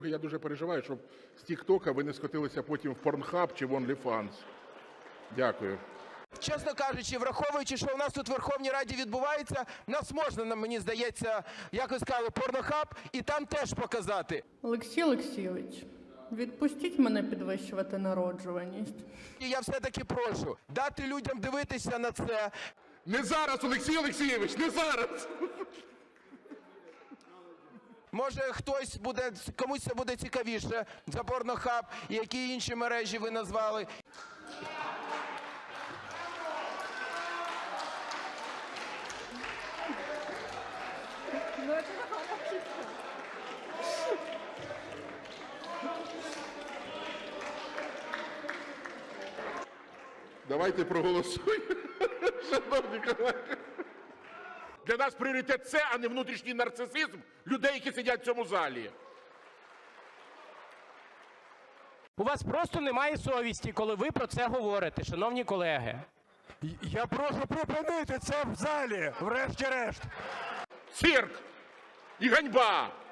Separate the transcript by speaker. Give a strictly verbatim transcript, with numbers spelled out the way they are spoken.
Speaker 1: Я дуже переживаю, щоб з тік-тока ви не скотилися потім в Pornhub чи в OnlyFans. Дякую.
Speaker 2: Чесно кажучи, враховуючи, що у нас тут в Верховній Раді відбувається, нас можна, мені здається, як ви сказали, Pornhub, і там теж показати.
Speaker 3: Олексій Олексійович, відпустіть мене підвищувати народжуваність.
Speaker 2: І я все-таки прошу дати людям дивитися на це.
Speaker 1: Не зараз, Олексій Олексійович, не зараз!
Speaker 2: Може, хтось буде, комусь це буде цікавіше за Pornhub і які інші мережі ви назвали.
Speaker 1: Давайте проголосуємо, шановні колеги. Для нас пріоритет це, а не внутрішній нарцисизм людей, які сидять в цьому залі.
Speaker 4: У вас просто немає совісті, коли ви про це говорите, шановні колеги.
Speaker 5: Я прошу припинити це в залі, врешті-решт.
Speaker 1: Цирк і ганьба!